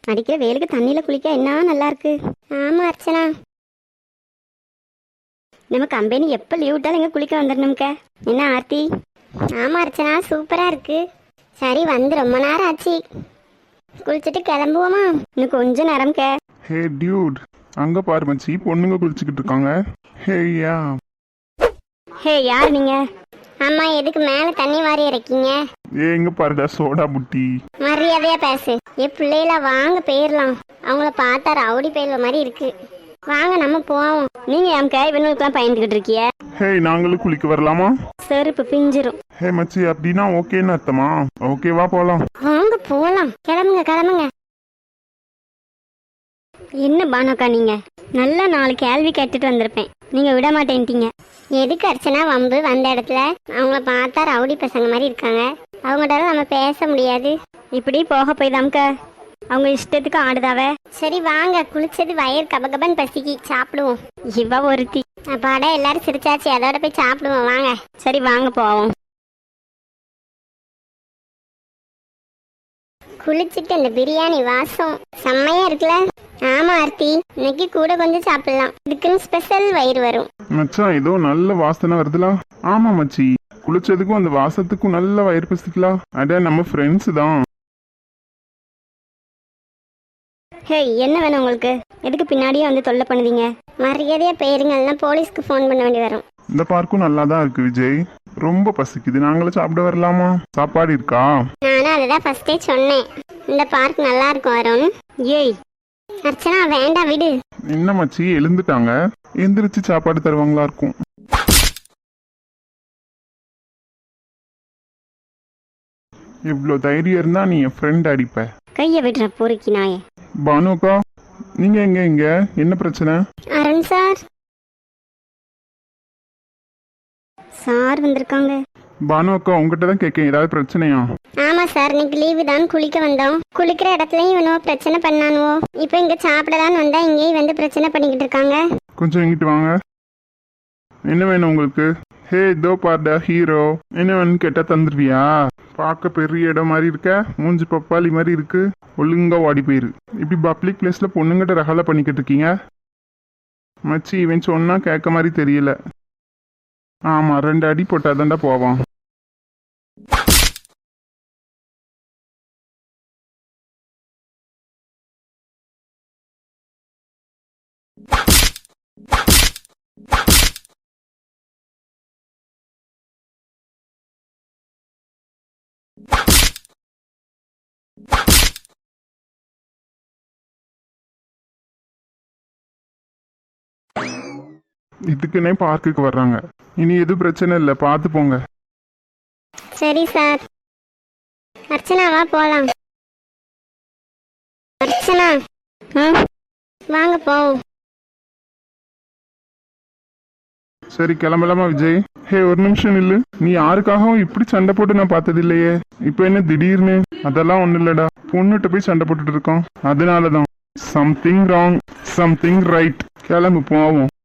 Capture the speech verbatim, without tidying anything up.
அடிக்கிற வெயிலுக்கு தண்ணியில குளிக்க என்ன நல்லா இருக்கு. ஆமா அர்ச்சனா, நம்ம கம்பெனி எப்போ லீவ் விட்டாலும் எங்க குளிக்க வந்துடணும்க்க. என்ன ஆர்த்தி? ஆமா அர்ச்சனா, சூப்பரா இருக்கு. சரி வந்து ரொம்ப நேரம் ஆச்சு, குளிச்சுட்டு கிளம்புவோமா? இன்னும் கொஞ்ச நேரம்க்க. ஹே டியூட், அங்க பாரு மச்சி, பொண்ணுங்க குளிச்சுக்கிட்டு இருக்காங்க. ஹே யா. ஹே யார் நீங்க? அம்மா எதுக்கு மேல தண்ணி வாரி இறக்கீங்க? ஏ இங்க பாருடா சோடா புட்டி. மரியாதையா பேசு. ஏ பிள்ளைகளா வாங்க போயிடலாம். அவங்கள பார்த்தா ரவுடி பயில்வ மாதிரி இருக்கு. வாங்க நம்ம போவோம். நீங்க என் கை இவனுக்குலாம் பயந்துகிட்டு இருக்கிய? ஹே நாங்களும் குளிக்க வரலாமா? செருப்பு பிஞ்சிரும். ஹே மச்சி, அப்படின்னா ஓகேன்னு அர்த்தமா? ஓகேவா போலாம்? வாங்க போலாம், கிளம்புங்க கிளம்புங்க. என்ன பானுக்கா நீங்க? நல்லா நாலு கேள்வி கேட்டுட்டு வந்திருப்பேன், நீங்க விட மாட்டேன்ட்டீங்க. எதுக்கு அர்ச்சனா வம்பு? வந்த இடத்துல அவங்கள பார்த்தா ரவுடி பசங்க மாதிரி இருக்காங்க, அவங்கள்ட்ட நம்ம பேச முடியாது. இப்படி போக போய் தாம்க்க அவங்க இஷ்டத்துக்கு ஆடுதாவ. சரி வாங்க, குளிச்சது வயிறு கபகபன் பசிக்கு, சாப்பிடுவோம். இவ ஒருத்தி. அப்பாடா எல்லாரும் சிரிச்சாச்சு, அதோட போய் சாப்பிடுவோம் வாங்க. சரி வாங்க போவோம். குளிச்சுட்டு இந்த பிரியாணி வாசம் செம்மையா இருக்குல்ல? ஆமா ஆர்த்தி, இன்னைக்கு கூட கொஞ்சம் சாப்பிடலாம், இதுக்குன்னு ஸ்பெஷல் வயிறு வரும். மச்சான் ஏதோ நல்ல வாசனை வருதுலாம். ஆமா மச்சி, குளிச்சதுக்கும் அந்த வாசத்துக்கும் நல்ல வயிறு பசிக்கலாம். அட நம்ம ஃப்ரெண்ட்ஸ் தான். ஹே என்ன வேணும் உங்களுக்கு? எதுக்கு பின்னாடியே வந்து தொல்லை பண்ணுவீங்க? மரியாதையா போயிருங்க, போலீஸ்க்கு ஃபோன் பண்ண வேண்டி வரும். இந்த பார்க்கும் நல்லா தான் இருக்கு விஜய், ரொம்ப பசிக்குது, நாங்களும் சாப்பிட வரலாமா? சாப்பாடு இருக்கா? நானும் அதுதான் ஃபர்ஸ்டே சொன்னேன், இந்த பார்க் நல்லா இருக்கும் வரும். ஏய் அர்ச்சனா வேண்டாம் விடு. என்ன மச்சி எழுந்துட்டாங்க, எந்திரிச்சு சாப்பாடு தருவாங்களா இருக்கும். இவ்வளோ தைரியம் இருந்தா நீ என் ஃப்ரெண்ட் அடிப்ப. கைய விடுற பொறுக்கி நாயே. பானுக்கா நீங்க எங்க? இங்க என்ன பிரச்சனை? அருண் சார் சார் வந்திருக்காங்க. பானு அக்கா உங்ககிட்ட தான் கேட்கேன், ஏதாவது பிரச்சனையா? ஆமா சார், இன்னைக்கு லீவு தான், குளிக்க வந்தோம். குளிக்கிற இடத்துலயும் இவனோ பிரச்சனை பண்ணானுவோ, இப்போ இங்க சாப்பிடலான்னு வந்தா இங்கேயும் வந்து பிரச்சனை பண்ணிக்கிட்டு இருக்காங்க. கொஞ்சம் இங்கிட்டு வாங்க. என்ன வேணும் உங்களுக்கு? ஹே இதோ பாருடா ஹீரோ, என்ன வேணும்னு கேட்டா தந்துருவியா? பார்க்க பெரிய இடம் மாதிரி இருக்க, மூஞ்சி பப்பாளி மாதிரி இருக்கு, ஒழுங்கா ஓடி போயிரு. இப்படி பப்ளிக் பிளேஸ்ல பொண்ணுங்கிட்ட ரகலை பண்ணிக்கிட்டு இருக்கீங்க. மச்சி இவன் சொன்னா கேட்க மாதிரி தெரியல. ஆமா ரெண்டு அடி போட்டாதான்டா போவான். இதுக்குன்னே பார்க்குக்கு வர்றாங்க. இனி எதுவும் பிரச்சனை இல்லை, பார்த்து போங்க. சரி சார். அர்ச்சனாவா போலாம். அர்ச்சனா வாங்க போவோம். சரி கிளம்பலாமா விஜய்? ஹே ஒரு நிமிஷம் நில்லு, நீ யாருக்காகவும் இப்படி சண்டை போட்டு நான் பார்த்தது இல்லையே, இப்போ என்ன திடீர்னு? அதெல்லாம் ஒன்றும் இல்லடா, பொண்ணுகிட்ட போய் சண்டை போட்டுட்டு இருக்கோம், அதனாலதான். Something wrong something right. கிளம்பு போவோம்.